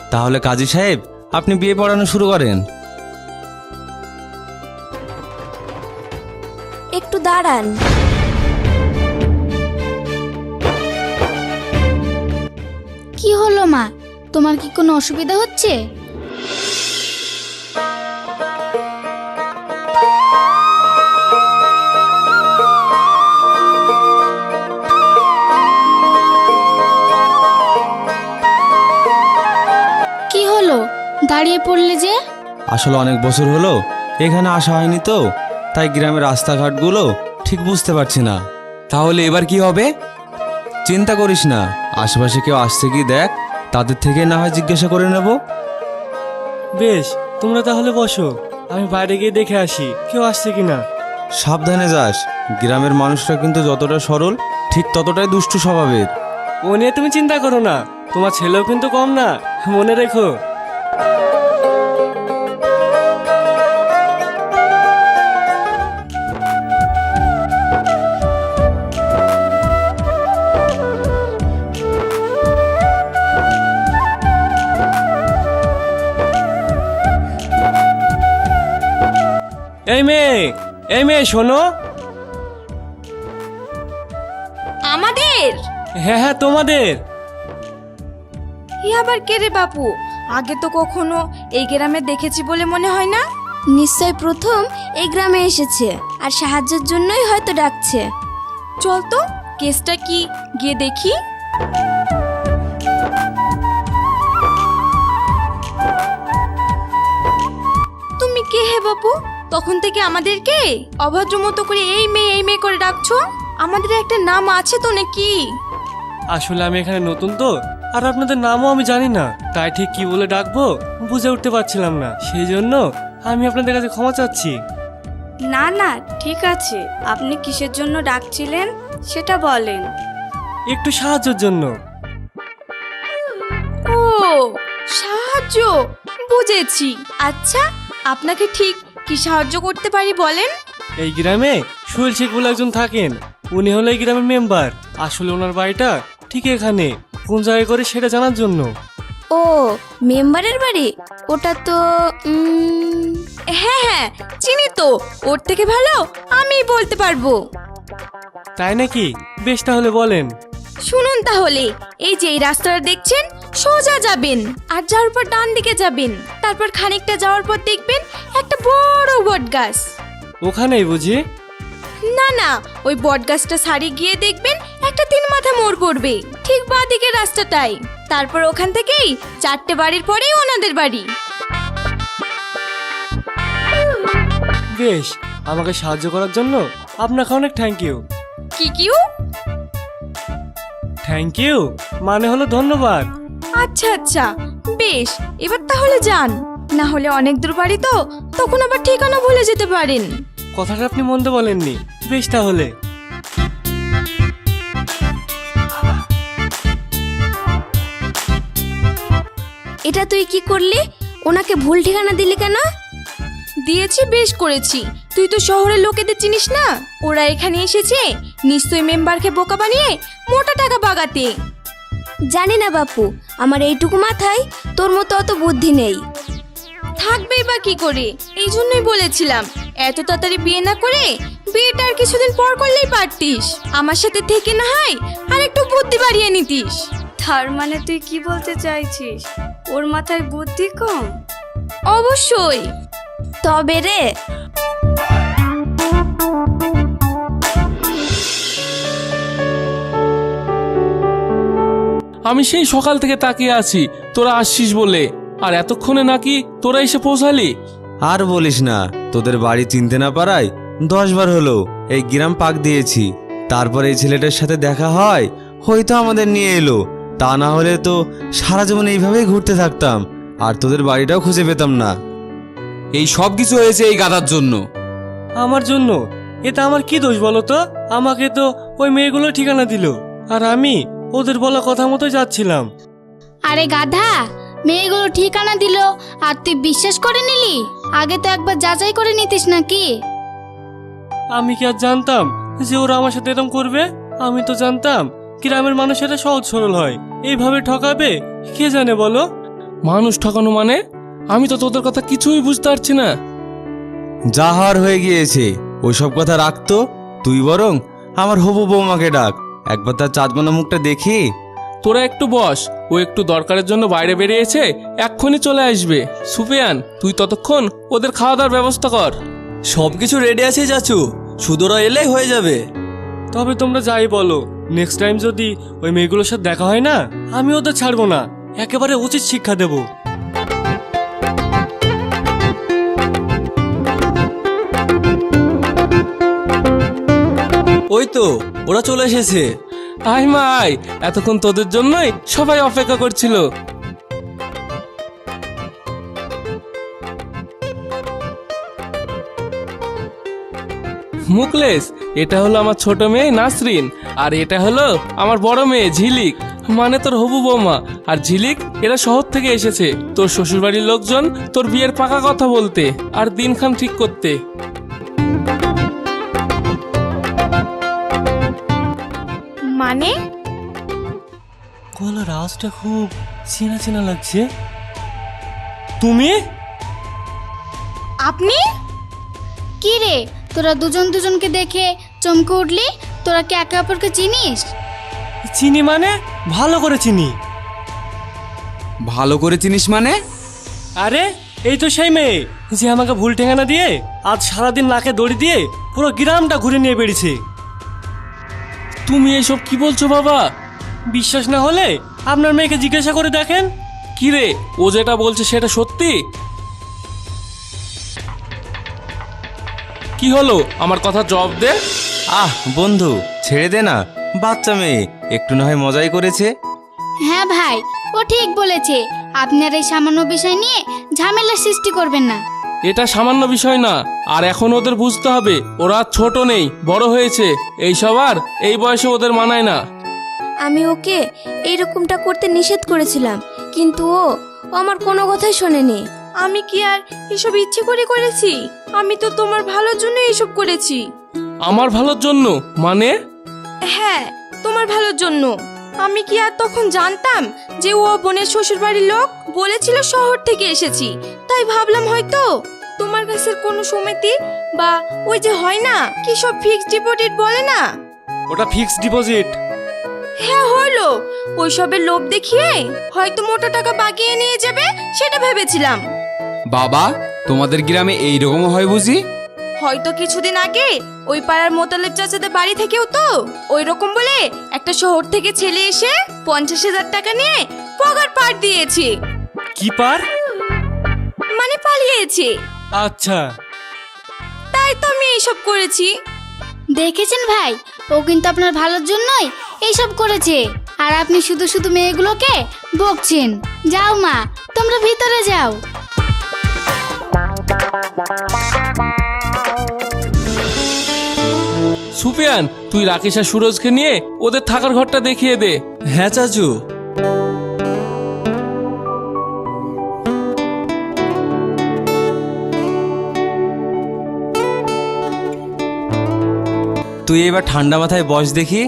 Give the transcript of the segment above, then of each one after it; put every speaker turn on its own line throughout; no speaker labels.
তাহলে কাজী সাহেব, আপনি বিয়ে পড়ানো শুরু করেন।
একটু দাঁড়ান।
কি হলো মা, তোমার কি কোনো অসুবিধা হচ্ছে? কি হলো, দাঁড়িয়ে পড়লে যে?
আসলে অনেক বছর হলো এখানে আসা হয়নি তো, তাই গ্রামের রাস্তাঘাটগুলো ঠিক বুঝতে পারছি না।
তাহলে এবার কি হবে?
চিন্তা করিস না, আশেপাশে কেউ আসছে কি দেখ, তাদের থেকে না হয় জিজ্ঞাসা করে নেব।
বেশ, তোমরা তাহলে বসো, আমি বাইরে গিয়ে দেখে আসি কেউ আসছে কিনা।
সাবধানে যাস, গ্রামের মানুষরা কিন্তু যতটা সরল ঠিক ততটাই দুষ্টু স্বভাবের।
ও নিয়ে তুমি চিন্তা করো না, তোমার ছেলেও কিন্তু কম না, মনে রেখো। এই মেয়ে শোনো।
আমাদের?
হ্যাঁ হ্যাঁ, তোমাদের।
ই আবার কে রে বাপু? আগে তো কখনো এই গ্রামে দেখেছি বলে মনে হয় না। নিশ্চয় প্রথম এই গ্রামে এসেছে, আর সাহায্যের জন্যই হয়তো ডাকছে। চল তো, কেসটা কি গিয়ে দেখি। তুমি কে হে বাপু? তখন থেকে আমাদেরকে অভদ্র মতো করে এই মেয়ে করে ডাকছো। আমাদের একটা নাম আছে তো নাকি?
আসলে আমি এখানে নতুন তো, আর আপনাদের নামও আমি জানি না, তাই ঠিক কি বলে ডাকবো বুঝে উঠতে পারছিলাম না, সেই জন্য আমি আপনাদের কাছে ক্ষমা চাচ্ছি।
না না, ঠিক আছে। আপনি কিসের জন্য ডাকছিলেন সেটা বলেন।
একটু সাহায্যের জন্য।
ও, সাহায্য, বুঝেছি। আচ্ছা, আপনাকে ঠিক কি সাহায্য করতে পারি বলেন।
এই গ্রামে সুহেল শেখ বলে একজন থাকেন, উনি হলো এই গ্রামের মেম্বার। আসলে ওনার বাড়িটা ঠিক এখানে, কোন জায়গায় করে সেটা জানার জন্য।
ও, মেম্বারের বাড়ি? ওটা তো হ্যাঁ হ্যাঁ, চিনি তো। ওর থেকে ভালো আমি বলতে পারবো।
তাই নাকি? বেশ, তাহলে বলেন।
শুনুন তাহলে, এই যে এই রাস্তাটা দেখছেন, সোজা যাবেন, আর যাওয়ার পর ডান দিকে যাবেন। তারপর খানিকটা যাওয়ার পর দেখবেন একটা বড় বট গাছ।
ওখানেই বুঝি?
না না, ওই বট গাছটা সারি গিয়ে দেখবেন একটা 3 মাথা মোড় পড়বে, ঠিক বাঁ দিকের রাস্তাটাই। তারপর ওখান থেকেই 4টে বাড়ির পরেই ওনাদের বাড়ি।
বেশ, আমাকে সাহায্য করার জন্য আপনাকে অনেক থ্যাংক ইউ।
কি কিউ?
থ্যাংক ইউ মানে হলো ধন্যবাদ।
আচ্ছা আচ্ছা, বেশ, এবার তাহলে যান, না হলে অনেক দূর বাড়ি তো, তখন আবার ঠিকানা ভুলে যেতে পারেন।
কথাটা আপনি মন্দ বলেননি। বেশ তাহলে।
এটা তুই কি করলি? ওনাকে ভুল ঠিকানা দিলি কেন? দিয়েছি, বেশ করেছি। তুই তো শহরের লোকেদের চিনিস না, ওরা এখানে এসেছে নিশ্চয়ই মেম্বারকে বোকা বানিয়ে মোটা টাকা বাগাতে। জানি না বাপু, আমার এইটুকু মাথায় তোর মতো অত বুদ্ধি নেই। থাকবেই বা কি করে, এই জন্যই বলেছিলাম এত তাড়াতাড়ি বিয়ে না করে বিয়েটা আর কিছুদিন পর করলেই পারতিস। আমার সাথে থেকে না হয় আর একটু বুদ্ধি বাড়িয়ে নিতিস। তার মানে তুই কি বলতে চাইছিস, ওর মাথায় বুদ্ধি কম? অবশ্যই। তবে রে,
আমি সেই সকাল থেকে তাকিয়ে আছি তোরা আসছিস বলে, আর এতক্ষণে নাকি তোরা এসে পৌঁছালি।
আর বলিস না, তোদের বাড়ি চিনতে না পারায় 10 বার হলো এই গ্রাম পাক দিয়েছি। তারপর এই ছেলেটার সাথে দেখা হয়, হয়তো আমাদের নিয়ে এলো, তা না হলে তো সারা জীবন এইভাবেই ঘুরতে থাকতাম, আর তোদের বাড়িটাও খুঁজে পেতাম না।
এই সব কিছু হয়েছে এই গাধার জন্য।
আমার জন্য? এটা আমার কি দোষ বলো তো? আমাকে তো ওই মেয়েগুলো ঠিকানা দিল, আর আমি ওদের বলা কথা মতো যাচ্ছিলাম।
আরে গাধা, মেয়েগুলো ঠিকানা দিল আর তুই বিশ্বাস করে নিলি? আগে তো একবার যাচাই করে নিতিস নাকি?
আমি কি আর জানতাম যে ওরা আমার সাথে এরকম করবে? আমি তো জানতাম গ্রামের মানুষেরা সহজ সরল হয়, এইভাবে ঠকাবে কে জানে বলো।
মানুষ ঠকানো মানে? আমি তো তোদের কথা কিছুই বুঝতে পারছি না।
যা হওয়ার হয়ে গিয়েছে, ওইসব কথা রাখতো। তুই বরং আমার হবু বৌমাকে ডাক, একবার তার চাঁদমানা মুখটা দেখি।
তোরা একটু বস, ও একটু দরকারের জন্য বাইরে বেরিয়েছে, এক্ষুনি চলে আসবে। সুফিয়ান, তুই ততক্ষণ ওদের খাওয়া দাওয়ার ব্যবস্থা কর।
সব কিছু রেডি আছে চাচু, শুধু ওরা এলেই হয়ে যাবে।
তবে তোমরা যাই বলো, নেক্সট টাইম যদি ওই মেয়েগুলোর সাথে দেখা হয় না, আমি ওদের ছাড়বো না, একেবারে উচিত শিক্ষা দেব।
ওই তো ওরা চলে এসেছে।
আয় মা আয়, এতক্ষণ তোদের জন্যই সবাই অপেক্ষা করছিল। মুকলেশ, এটা হলো আমার ছোট মেয়ে নাসরিন, আর এটা হলো আমার বড় মেয়ে ঝিলিক, মানে তোর হবু বৌমা। আর ঝিলিক এরা শহর থেকে এসেছে তোর শ্বশুরবাড়ির লোকজন তোর বিয়ের পাকা কথা বলতে আর দিনখান ঠিক করতে।
মানে?
গলার আওয়াজটা খুব চেনা চেনা লাগছে। তুমি?
আপনি?
কি রে, তোরা দুজন দুজনকে দেখে চমকে উঠলি? তোরা কি একে অপরকে চিনিস?
চিনি মানে? ভালো করে চিনি।
ভালো করে চিনিস মানে?
আরে এই তো সেই মেয়ে যে আমাকে ভুল ঠিকানা দিয়ে আজ সারাদিন নাকে দড়ি দিয়ে পুরো গ্রামটা ঘুরে নিয়ে বেরিয়েছে।
তুমি এসব কি বলছো বাবা?
বিশ্বাস না হলে আপনার মেয়েকে জিজ্ঞাসা করে দেখেন।
কি রে, ও যেটা বলছে সেটা সত্যি? কি হলো, আমার কথা জবাব দে।
আহ বন্ধু, ছেড়ে দে না, বাচ্চা মেয়ে, একটু না হয় মজাই করেছে।
হ্যাঁ ভাই, ও ঠিক বলেছে। আপনার এই সামান্য বিষয় নিয়ে ঝামেলা সৃষ্টি করবেন না।
এটা সামান্য বিষয় না, আর এখন ওদের বুঝতে হবে ওরা আর ছোট নেই, বড় হয়েছে। এইসব আর এই বয়সে ওদের মানায় না।
আমি ওকে এইরকমটা করতে নিষেধ করেছিলাম, কিন্তু ও আমার কোনো কথাই শোনেনি। আমি কি আর এসব ইচ্ছে করে করেছি? আমি তো তোমার ভালোর জন্য এসব করেছি।
আমার ভালোর জন্য মানে?
হ্যাঁ, তোমার ভালোর জন্য। আমি কি আর তখন জানতাম যে ও বোনের শ্বশুর বাড়ির লোক? বলেছিল শহর থেকে এসেছি, তাই ভাবলাম হয়তো তোমার কাছে কোনো সমিতি বা ওই যে হয় না কি সব ফিক্সড ডিপোজিট বলে না।
ওটা ফিক্সড ডিপোজিট।
হ্যাঁ হলো, ওইসবের লোভ দেখিয়ে হয়তো মোটা টাকা বাগিয়ে নিয়ে যাবে সেটা ভেবেছিলাম।
বাবা, তোমাদের গ্রামে এইরকম হয় বুঝি?
হয়তো কিছুদিন আগে ওই পাড়ার মোতালেব চাচাদের বাড়ি থেকেও তো ওই রকম বলে একটা শহর থেকে ছেলে এসে 50,000 টাকা নিয়ে পগার পার দিয়েছে।
কি পার?
মানে পালিয়েছে।
আচ্ছা,
তাই তো আমি এইসব করেছি।
দেখেছেন ভাই, ও কিন্তু আপনার ভালোর জন্যই এইসব করেছে, আর আপনি শুধু শুধু মেয়েগুলোকে বকছেন। যাও মা, তোমরা ভিতরে যাও।
সুফিয়ান, তুই রাকেশ আর সুরজকে নিয়ে ওদের থাকার ঘরটা দেখিয়ে দে।
হ্যাঁ চাচু।
তুই এবার ঠান্ডা মাথায় বস দেখি।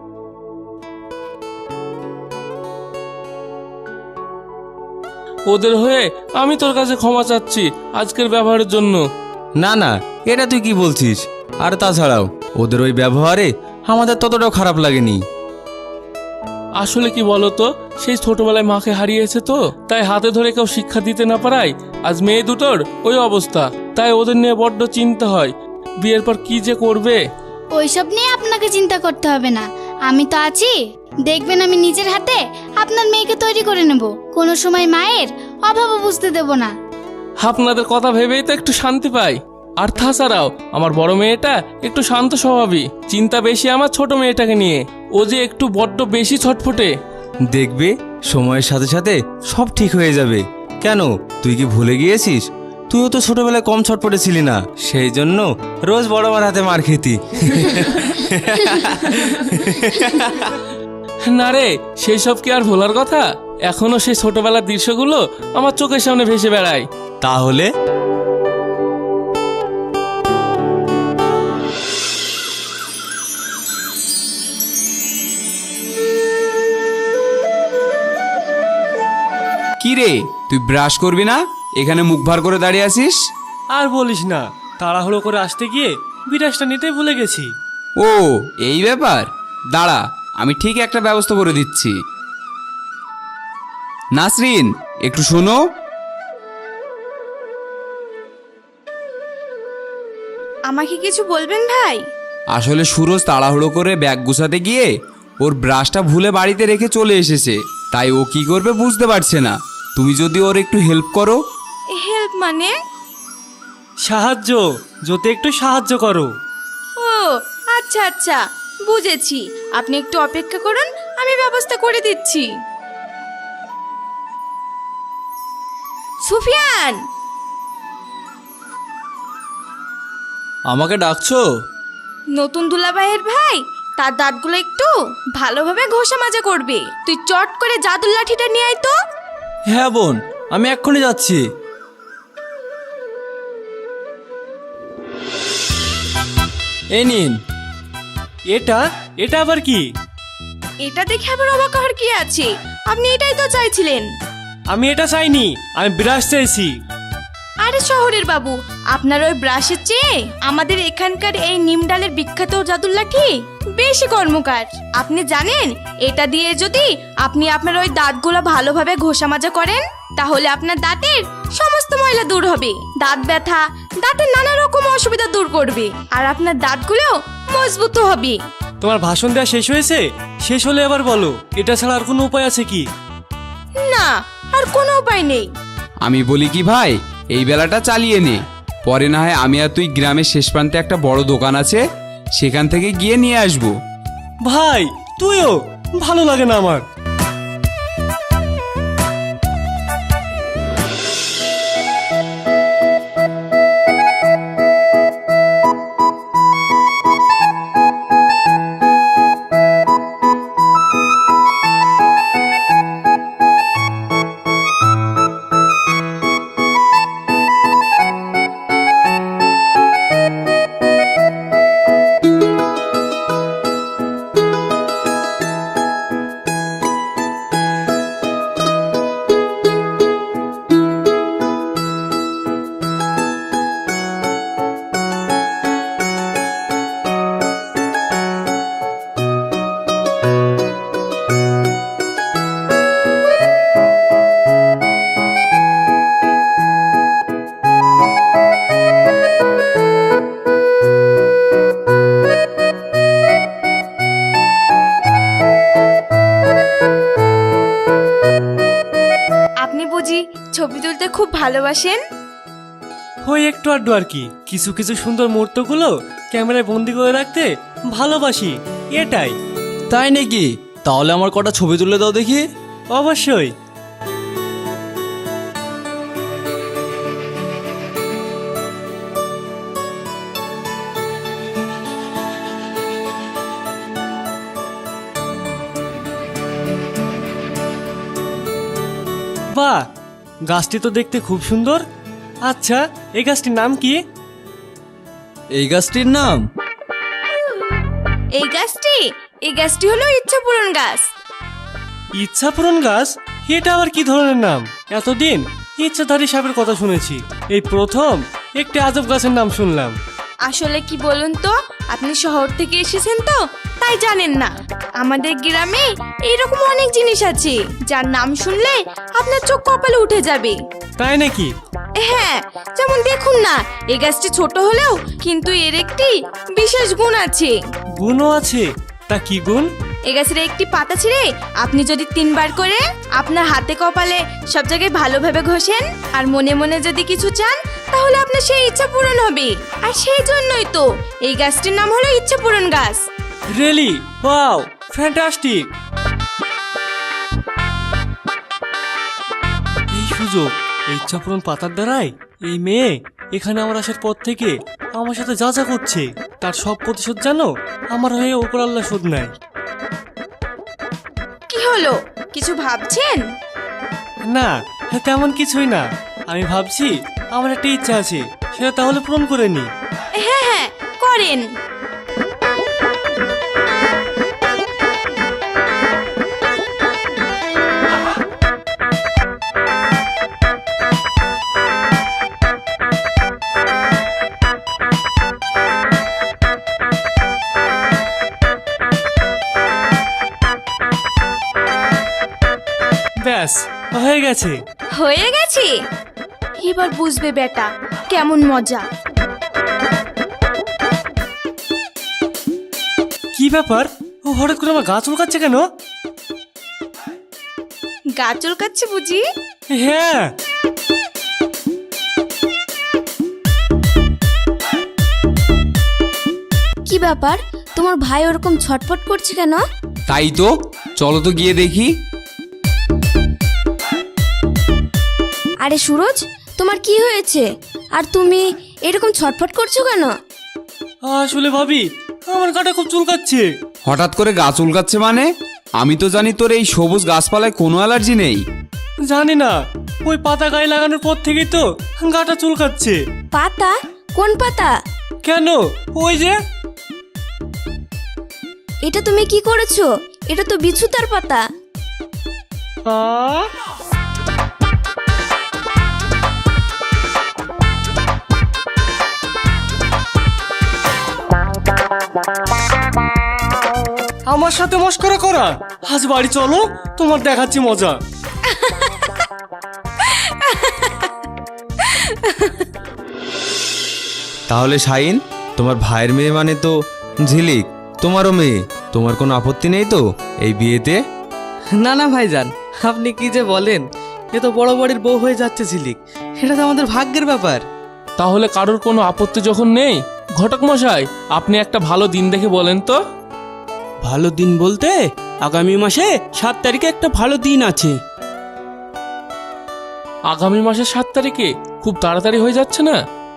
ওদের হয়ে আমি তোর কাছে ক্ষমা চাচ্ছি আজকের ব্যবহারের জন্য।
না না, এটা তুই কি বলছিস? আর তাছাড়াও ওদের ওই ব্যবহারে আমাদের ততটাও খারাপ লাগেনি।
আসলে কি বলতো, সেই ছোটবেলায় মাকে হারিয়েছে তো, তাই হাতে ধরে কেউ শিক্ষা দিতে না পারায় আজ মেয়ে দুটোর ওই অবস্থা। তাই ওদের নিয়ে বড্ড চিন্তা হয়, বিয়ের পর কি যে করবে।
ওইসব নিয়ে আপনাকে চিন্তা করতে হবে না, আমি তো আছি। দেখবেন আমি নিজের হাতে আপনার মেয়েকে তৈরি করে নেব, কোনো সময় মায়ের অভাবও বুঝতে দেব না।
আপনাদের কথা ভেবেই তো একটু শান্তি পাই। আর তাছাড়াও আমার বড় মেয়েটা একটু শান্ত স্বভাবই, চিন্তা বেশি আমার ছোট মেয়েটাকে নিয়ে। ও যে একটু বড্ড বেশি ছটফটে।
দেখবে সময়ের সাথে সাথে সব ঠিক হয়ে যাবে। কেন, তুই কি ভুলে গিয়েছিস? তুইও তো ছোটবেলায় কম ছটপটে ছিলি না, সেই জন্য রোজ বড় মার হাতে মার খেতি।
না রে, সেই সব কি আর ভোলার কথা? এখনো সেই ছোটবেলার দৃশ্যগুলো আমার চোখের সামনে ভেসে বেড়ায়।
তাহলে
কি রে, তুই ব্রাশ করবি না? এখানে মুখ ভার করে দাঁড়িয়ে আছিস?
আর বলিস না, তাড়াহুড়ো করে আসতে গিয়ে বিরাজটা নিতে ভুলে গেছি।
ও, এই ব্যাপার। দাঁড়া, আমি ঠিক একটা ব্যবস্থা করে দিচ্ছি। নাসরিন, একটু শোনো।
আমাকে কিছু বলবেন ভাই?
আসলে সুরজ তাড়াহুড়ো করে ব্যাগ গুছাতে গিয়ে ওর ব্রাশটা ভুলে বাড়িতে রেখে চলে এসেছে, তাই ও কি করবে বুঝতে পারছে না। তুমি যদি ওর একটু হেল্প করো।
হেল্প মানে?
সাহায্য, যদি একটু সাহায্য করো।
ও আচ্ছা আচ্ছা, বুঝেছি। আপনি একটু অপেক্ষা করুন, আমি ব্যবস্থা করে দিচ্ছি। সুফিয়ান,
আমাকে ডাকছো?
নতুন দুলাভাইয়ের ভাই, তার দাঁতগুলো একটু ভালোভাবে ঘষা মাজা করবে। তুই চট করে জাদুর লাঠিটা নিয়ে আয় তো।
হ্যাঁ বোন, আমি এক্ষুনি যাচ্ছি। এই নিন।
এটা এটা আবার কি?
এটা দেখে আবার অবাক হওয়ার কি আছে? আপনি এটাই তো চাইছিলেন।
আমি এটা চাইনি, আমি ব্রাশ চাইছি।
আরে শহরের বাবু, আপনার ওই ব্রাশের চেয়ে আমাদের এখানকার এই নিম ডালের বিখ্যাত জাদুর লাঠি বেশি কর্মকার। আপনি জানেন, এটা দিয়ে যদি আপনি আপনার ওই দাঁতগুলো ভালোভাবে ঘষা মাজা করেন, তাহলে আপনার দাঁতের সমস্ত ময়লা দূর হবে, দাঁত ব্যথা, দাঁতের নানা রকম অসুবিধা দূর করবে, আর আপনার দাঁতগুলো মজবুত হবে।
তোমার ভাষণ দেওয়া শেষ হয়েছে? শেষ হলে আবার বলো, এটা ছাড়া আর কোনো উপায় আছে কি?
না, আর কোনো উপায় নেই।
আমি বলি কি ভাই, এই বেলাটা চালিয়ে নে, পরে না হয় আমি আর তুই গ্রামের শেষ প্রান্তে একটা বড় দোকান আছে, সেখান থেকে গিয়ে নিয়ে আসবো।
ভাই তুইও, ভালো লাগে না আমার।
আপনি বুঝি ছবি তুলতে খুব ভালোবাসেন?
ওই একটু আড্ডু আর কি। কিছু কিছু সুন্দর মুহূর্তগুলো ক্যামেরায় বন্দি করে রাখতে ভালোবাসি, এটাই।
তাই নাকি? তাহলে আমার কটা ছবি তুলে দাও দেখি।
অবশ্যই। বাহ, গাছটি তো দেখতে খুব সুন্দর। আচ্ছা, এই গাছটির নাম কি?
এই গাছটির নাম?
এই গাছটি হলো ইচ্ছাপূরণ গাছ।
ইচ্ছাপূরণ গাছ? এটা আবার কি ধরনের নাম? এতদিন ইচ্ছাধারী সাপের কথা শুনেছি, এই প্রথম একটি আজব গাছের নাম শুনলাম।
আসলে কি বলুন তো, আপনি শহর থেকে এসেছেন তো তাই জানেন না। আমাদের গ্রামে এইরকম অনেক জিনিস আছে যার নাম শুনলে আপনার চোখ কপালে উঠে যাবে।
তাই নাকি?
হ্যাঁ, যেমন দেখুন না, এই গাছটি ছোট হলেও কিন্তু এর একটি বিশেষ গুণ আছে।
গুণও আছে? তা কি গুণ?
এই গাছের একটি পাতা ছিঁড়ে আপনি যদি 3 বার করে আপনার হাতে কপালে সব জায়গায় ভালোভাবে ঘষেন আর মনে মনে যদি কিছু চান, তাহলে আপনার সেই ইচ্ছা পূরণ হবে। আর সেই জন্যই তো এই গাছটির নাম হলো ইচ্ছাপূরণ গাছ।
রিয়েলি? Wow, fantastic. এই সুযোগ, এই ইচ্ছাপূরণ পাতার দ্বারাই এই মেয়ে এখানে আমার আসার পর থেকে আমার সাথে যা যা করছে তার সব প্রতিশোধ জানো আমার হয়ে ওপর আল্লাহ শোধ নেয়।
কি হলো, কিছু ভাবছেন?
না, তেমন কিছুই না। আমি ভাবছি আমার একটা ইচ্ছা আছে, সেটা তাহলে পূরণ করে নি।
হ্যাঁ হ্যাঁ, করেন।
ব্যাস হয়ে গেছে।
হয়ে গেছে, এবার বুঝবে বেটা কেমন মজা।
কি ব্যাপার, ও হঠাৎ করে আমার গা চুলকাচ্ছে কেন?
গা চুলকাচ্ছে বুঝি?
হ্যাঁ।
কি ব্যাপার, তোমার ভাই ওরকম ছটফট করছে কেন?
তাই তো, চলো তো গিয়ে দেখি।
আরে সুরজ, তোমার কি হয়েছে? আর তুমি এরকম ছটফট করছো কেন?
আসলে ভাবি, আমার গাটা খুব চুলকাচ্ছে।
হঠাৎ করে গা চুলকাচ্ছে মানে? আমি তো জানি তোর এই সবুজ গাছপালায় কোনো অ্যালার্জি নেই।
জানি না, ওই পাতা গায়ে লাগানোর পর থেকেই তো গাটা চুলকাচ্ছে।
পাতা? কোন পাতা?
কেন, ওই যে।
এটা তুমি কি করেছো? এটা তো বিছুতার পাতা।
আমার সাথে মস্করা করা? আজ বাড়ি চলো, তোমার দেখাচ্ছি মজা।
তাহলে শাইন, তোমার ভাইয়ের মেয়ে মানে তো ঝিলিক তোমারও মেয়ে, তোমার কোনো আপত্তি নেই তো এই বিয়েতে?
না না ভাইজান, আপনি কি যে বলেন, এ তো বড় বাড়ির বউ হয়ে যাচ্ছে ঝিলিক, এটা তো আমাদের ভাগ্যের ব্যাপার।
তাহলে কারোর কোনো আপত্তি যখন নেই, ঘটক মশাই আপনি একটা ভালো দিন দেখে বলেন তো।
ভালো দিন বলতে আগামী মাসে 7 তারিখে একটা ভালো দিন আছে।
আগামী মাসের 7 তারিখে? খুব তাড়াতাড়ি হয়ে যাচ্ছে না?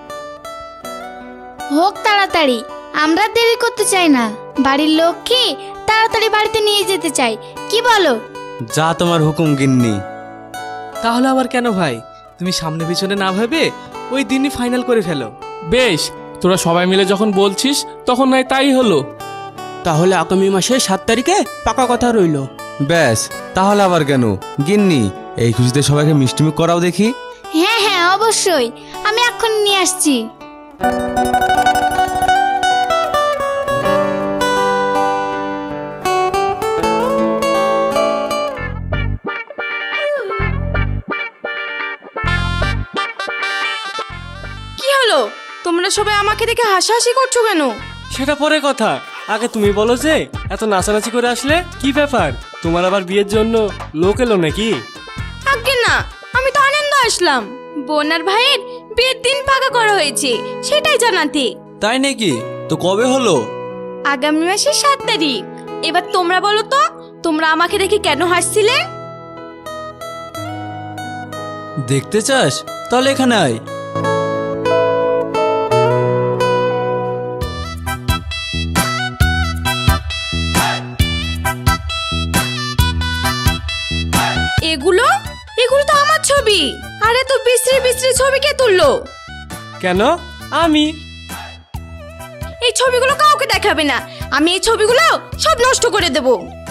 হোক তাড়াতাড়ি, আমরা দেরি করতে চাই না। বাড়ির লোককে তাড়াতাড়ি বাড়িতে নিয়ে যেতে চাই, কি বলো?
যা তোমার হুকুম গিন্নি।
তাহলে আবার কেন ভাই, তুমি সামনে পিছনে না ভেবে ওই দিনই ফাইনাল করে ফেলো।
বেশ, তোরা সবাই মিলে যখন বলছিস তখন নয় তাই হলো।
তাহলে আগামী মাসে 7 তারিখে পাকা কথা রইলো।
ব্যাস, তাহলে আবার কেন গিন্নি, এই খুশিতে সবাইকে মিষ্টিমুখ করাও দেখি।
হ্যাঁ হ্যাঁ অবশ্যই, আমি এক্ষুনি নিয়ে আসছি।
কি হলো, তোমরা সবাই আমাকে দেখে হাসাহাসি করছো কেন?
সেটা পরে কথা, আগে তুমি বলো যে এত নাচানাচি করে আসলে কি ব্যাপার? তোমার আবার বিয়ের জন্য লোক এলো নাকি?
আগে না, আমি তো আনন্দ আসলাম। বোন আর ভাইয়ের বিয়ের দিন পাকা করা হয়েছে, সেটাই জানাতে।
তাই নাকি? তো কবে হলো?
আগামী মাসের 7 তারিখ। এবার তোমরা বলো তো, তোমরা আমাকে দেখে কেন হাসছিলে?
দেখতে চাস? তাহলে এখানে আয়।
এগুলো এগুলো তো আমার ছবি। আরে তো বিশ্রী বিশ্রী ছবি কে তুললো?
কেন? আমি।
এই ছবিগুলো কাউকে দেখাবে না, আমি এই ছবিগুলো সব নষ্ট করে দেব।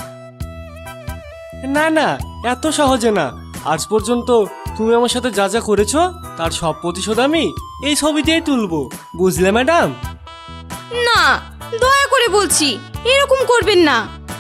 না না, এত সহজে না। আজ পর্যন্ত তুমি আমার সাথে যা যা করেছো তার সব প্রতিশোধ আমি এই ছবি দিয়েই তুলবো, বুঝলে ম্যাডাম?
না, দয়া করে বলছি, এরকম করবেন না।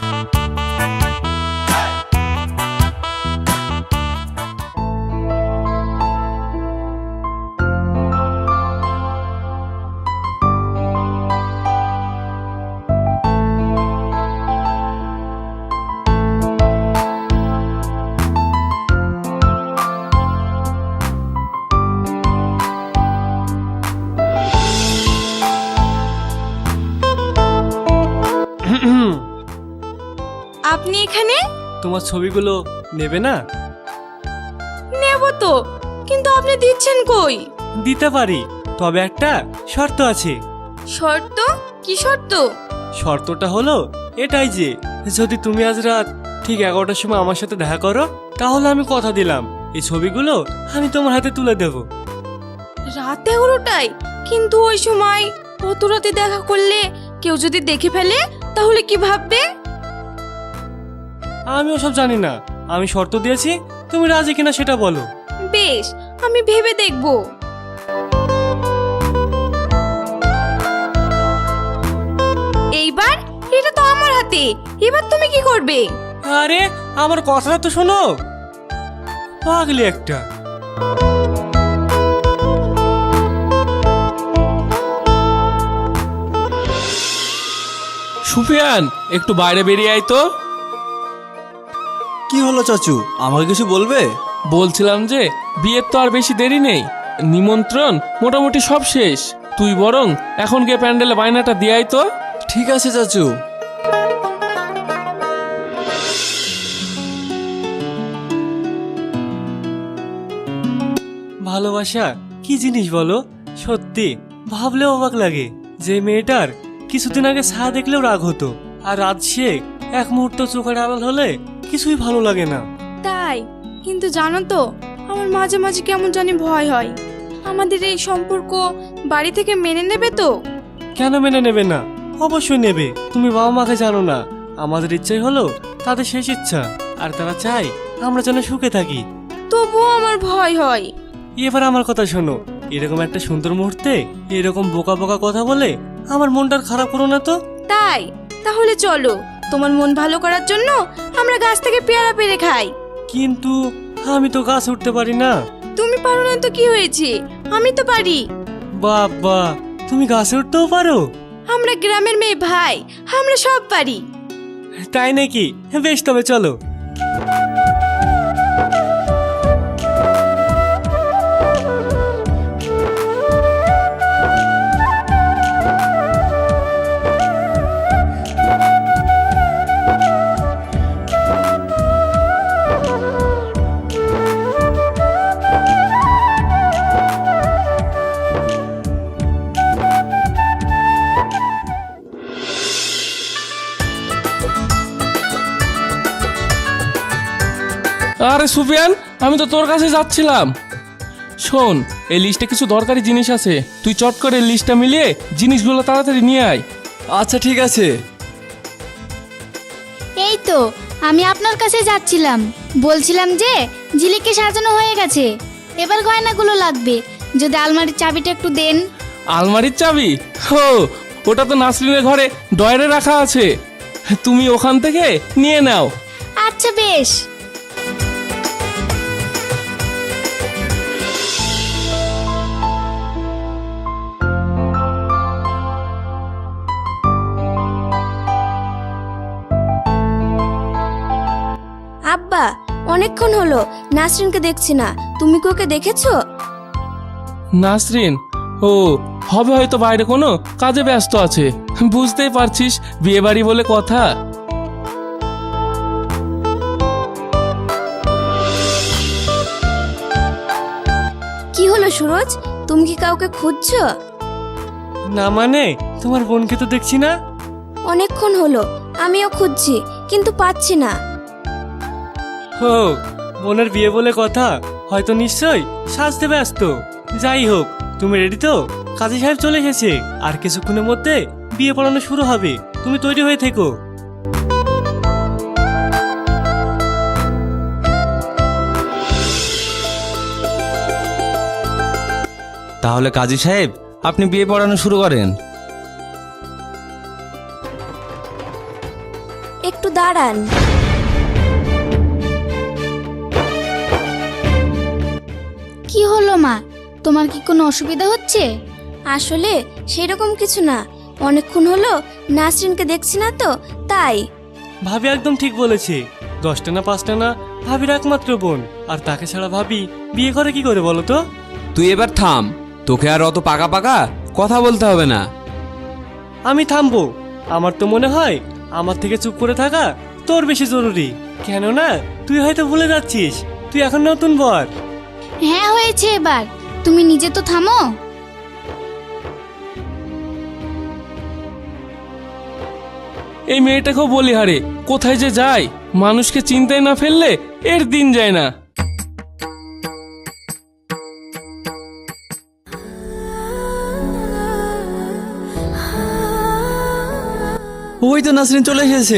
আপনি এখানে?
তোমার ছবিগুলো নেবে না?
নেব তো, কিন্তু আপনি দিচ্ছেন কই?
দিতে পারি, তবে একটা শর্ত আছে।
শর্ত? কি শর্ত?
শর্তটা হলো এটাই যে যদি তুমি আজ রাত ঠিক 11টার সময় আমার সাথে দেখা করো, তাহলে আমি কথা দিলাম এই ছবিগুলো আমি তোমার হাতে তুলে দেব।
রাত 11টায়? কিন্তু ওই সময় অত রাতে দেখা করলে কেউ যদি দেখে ফেলে তাহলে কি ভাববে?
আমি ওসব জানি না, আমি শর্ত দিয়েছি, তুমি রাজি কিনা সেটা বলো।
বেশ, আমি ভেবে দেখব। এইবার এটা তো আমার হাতে, এবার তুমি কি করবে?
আরে আমার কথাটা তো শোনো। পাগলি একটা।
সুফিয়ান, একটু বাইরে বেরিয়ে আয় তো।
কি হলো চাচু, আমাকে কিছু বলবে?
বলছিলাম যে বিয়ের তো আর বেশি দেরি নেই, নিমন্ত্রণ মোটামুটি সব শেষ। তুই বরং এখন গিয়ে প্যান্ডেলে বায়নাটা দিয়ে আয় তো।
ঠিক আছে চাচু।
ভালোবাসা কি জিনিস বলো? সত্যি ভাবলেও অবাক লাগে। যে মেয়েটার কিছুদিন আগে ছায়া দেখলেও রাগ হতো, আর আজ সে এক মুহূর্ত চোখের আড়াল হলে কিছুই ভালো লাগে না।
তাই, কিন্তু জানো তো আমার মাঝে মাঝে কেমন জানি ভয় হয়। আমাদের এই সম্পর্ক বাড়ি থেকে মেনে নেবে তো?
কেন মেনে নেবে না? অবশ্যই নেবে। তুমি বাবা মাকে জানো না, আমাদের ইচ্ছাই হলো তাদের শেষ ইচ্ছা, আর তারা চায় আমরা যেন সুখে থাকি।
তবুও আমার ভয় হয়।
এবার আমার কথা শোনো, এরকম একটা সুন্দর মুহূর্তে এরকম বোকা বোকা কথা বলে আমার মনটা খারাপ করো না তো।
তাই, তাহলে চলো, তোমার মন ভালো করার জন্য আমরা গাছ থেকে পেয়ারা পেরে খাই।
কিন্তু আমি তো গাছ উঠতে পারি না।
তুমি পারো না তো কি হয়েছে, আমি তো পারি।
বাবা, তুমি গাছে উঠতেও পারো?
আমরা গ্রামের মেয়ে ভাই, আমরা সব পারি।
তাই নাকি? বেশ, তবে চলো।
আরে সুফিয়ান, আমি তো তোর কাছে যাচ্ছিলাম। শোন, এই লিস্টে কিছু দরকারি জিনিস আছে, তুই চট করে লিস্টটা মিলিয়ে জিনিসগুলো তাড়াতাড়ি নিয়ে আয়।
আচ্ছা ঠিক আছে।
এই তো আমি আপনার কাছে যাচ্ছিলাম, বলছিলাম যে ঝিলিককে সাজানো হয়ে গেছে, এবার গয়নাগুলো লাগবে। যদি আলমারির চাবিটা একটু দেন।
আলমারির চাবি? হো, ওটা তো নাসরিনের ঘরে ডয়ারে রাখা আছে, তুমি ওখান থেকে নিয়ে নাও।
আচ্ছা বেশ।
আব্বা, অনেকক্ষণ হলো নাসরিনকে দেখছি না, তুমি কি ওকে দেখেছো?
নাসরিন? ও, হবে হয়তো বাইরে কোনো কাজে ব্যস্ত আছে, বুঝতেই পারছিস, বিয়ে বাড়ি বলে কথা।
কি হলো সুরজ, তুমি কি কাউকে খুঁজছো?
না মানে, তোমার বোনকে তো দেখছি না।
অনেকক্ষণ হলো আমিও খুঁজছি, কিন্তু পাচ্ছি না।
হো, বোনের বিয়ে বলে কথা, হয়তো নিশ্চয় সাজতে ব্যস্ত। যাই হোক, তুমি রেডি তো? কাজী সাহেব চলে এসেছে, আর কিছুক্ষণের মধ্যে বিয়ে পড়ানো শুরু হবে, তুমি তৈরি হয়ে থেকো।
তাহলে কাজী সাহেব, আপনি বিয়ে পড়ানো শুরু করেন।
একটু দাঁড়ান।
কি হলো মা, তোমার কি কোনো অসুবিধা হচ্ছে?
আসলে সেরকম কিছু না, অনেকক্ষণ হলো নাসরিনকে দেখছি না তো, তাই।
ভাবি একদম ঠিক বলেছে, 10টা না 5টা না, ভাবির একমাত্র বোন, আর তাকে ছাড়া ভাবি বিয়ে করে কি করে বলো তো?
তুই এবার থাম, তোকে আর অত পাকা পাকা কথা বলতে হবে না।
আমি থামবো? আমার তো মনে হয় আমার থেকে চুপ করে থাকা তোর বেশি জরুরি। কেননা তুই হয়তো ভুলে যাচ্ছিস, তুই এখন নতুন বর।
হ্যাঁ হয়েছে, এবার তুমি নিজে তো থামো।
এই মেয়েটাকেও বলি হারে, কোথায় যে যায়, মানুষকে চিন্তায় না ফেললে এর দিন যায় না।
ওই তো নাসরিন চলে এসেছে।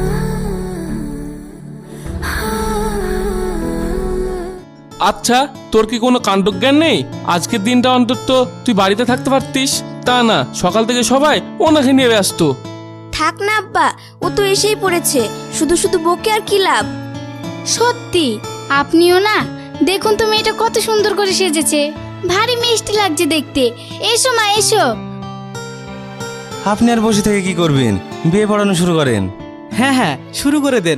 আচ্ছা, তোর কি কোনো কাণ্ডজ্ঞান নেই? আজকের দিনটা অন্তত তুই বাড়িতে থাকতে পারতিস। তা না, সকাল থেকে সবাই ওনাকে নিয়ে ব্যস্ত।
থাক না আব্বা, ও তো এসেই পড়েছে, শুধু শুধু বকে আর কি লাভ।
সত্যি আপনিও না, দেখুন তো মেয়েটা কত সুন্দর করে সেজেছে, ভারী মিষ্টি লাগছে দেখতে। এসো মা এসো।
আপনি আর বসে থেকে কি করবেন? বিয়ে পড়ানো শুরু করেন।
হ্যাঁ হ্যাঁ, শুরু করে দেন।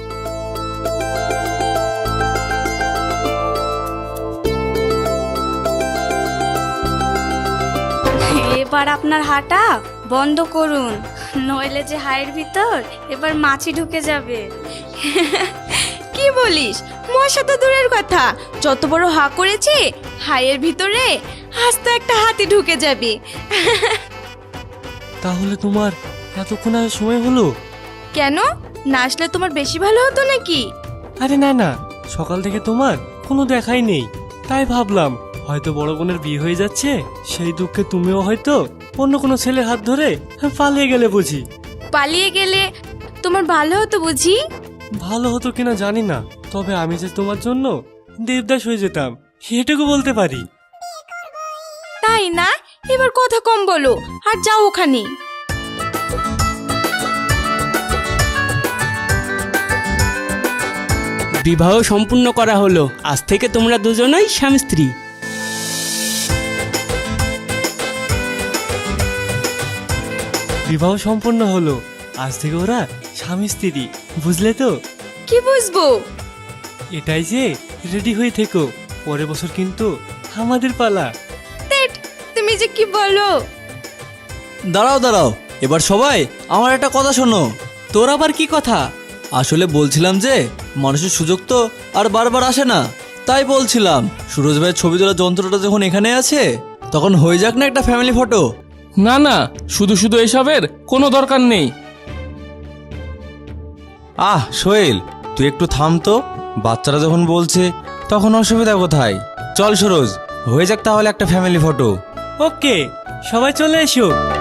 এবার আপনার হাঁটা বন্ধ করুন, নইলে যে হাড়ের ভিতর এবার মাছি ঢুকে যাবে। কি বলিস? মশা তো দূরের কথা, যত বড় হা করেছে হাড়ের ভিতরে আস্ত একটা হাতি ঢুকে যাবে।
তাহলে তোমার এতক্ষণ আর সময় হলো?
কেন, না আসলে তোমার বেশি ভালো হতো নাকি?
আরে না না, সকাল থেকে তোমার কোনো দেখাই নেই, তাই ভাবলাম হয়তো বড় বোনের বিয়ে হয়ে যাচ্ছে, সেই দুঃখে তুমিও হয়তো অন্য কোনো ছেলের হাত ধরে পালিয়ে গেলে বুঝি।
পালিয়ে গেলে তোমার ভালো হতো বুঝি?
ভালো হতো কিনা জানি না, তবে আমি যে তোমার জন্য দেবদাস হয়ে যেতাম এটুকু বলতে পারি।
তাই না? এবার কথা কম বলো আর যাও ওখানে।
বিবাহ সম্পূর্ণ করা হলো, আজ থেকে তোমরা দুজনেই স্বামী স্ত্রী।
বিবাহ সম্পন্ন হলো, আজ থেকে ওরা স্বামী স্ত্রী, বুঝলে তো?
কি বুঝবো?
এটাই যে রেডি হয়ে থেকো, পরের বছর কিন্তু আমাদের পালা।
তেট, তুমি যে কি বলো?
দাঁড়াও দাঁড়াও, এবার সবাই আমার একটা কথা শোনো।
তোর আবার কি কথা?
আসলে বলছিলাম যে মানুষের সুযোগ তো আর বারবার আসে না, তাই বলছিলাম সুরজ ভাইয়ের ছবি তোলার যন্ত্রটা যখন এখানে আছে তখন হয়ে যাক না একটা ফ্যামিলি ফটো।
না না, শুধু শুধু এসবের কোনো দরকার নেই।
সোহেল, তুই একটু থাম তো, বাচ্চারা যখন বলছে তখন অসুবিধা কোথায়? চল সুরজ, হয়ে যাক তাহলে একটা ফ্যামিলি ফটো।
ওকে, সবাই চলে এসো।